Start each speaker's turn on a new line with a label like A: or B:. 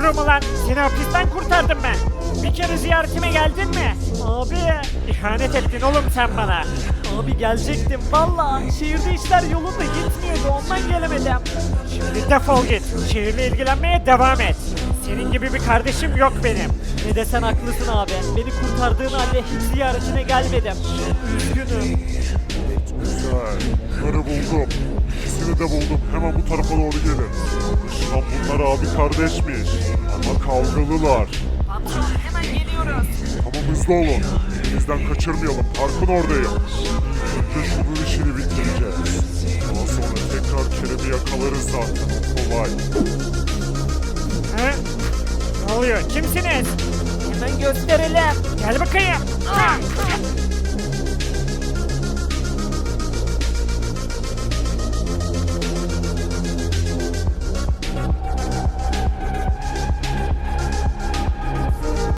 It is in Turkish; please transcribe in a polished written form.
A: Gururum ulan. Seni hapisten kurtardım ben. Bir kere ziyaretime geldin mi? Abi. İhanet ettin oğlum sen bana.
B: Abi gelecektim valla. Şehirde işler yolunda gitmiyordu ondan gelemedim.
A: Şimdi defol git. Şehirle ilgilenmeye devam et. Senin gibi bir kardeşim yok benim.
B: Ne desen haklısın abi. Beni kurtardığın halde hiç ziyaretine gelmedim. Üzgünüm.
C: Güzel. Bunları buldum. İkisini de buldum. Hemen bu tarafa doğru gelin. Anlaşılan bunlar abi kardeşmiş. Ama kavgalılar.
B: Patron hemen geliyoruz.
C: Tamam hızlı olun. Elimizden kaçırmayalım. Parkın oradayım. Önce şunun işini bitireceğiz. Daha sonra tekrar Kerem'i yakalarız zaten. Kolay.
A: Ha? Ne oluyor? Kimsiniz?
B: Hemen gösterelim.
A: Gel bakayım. Ha!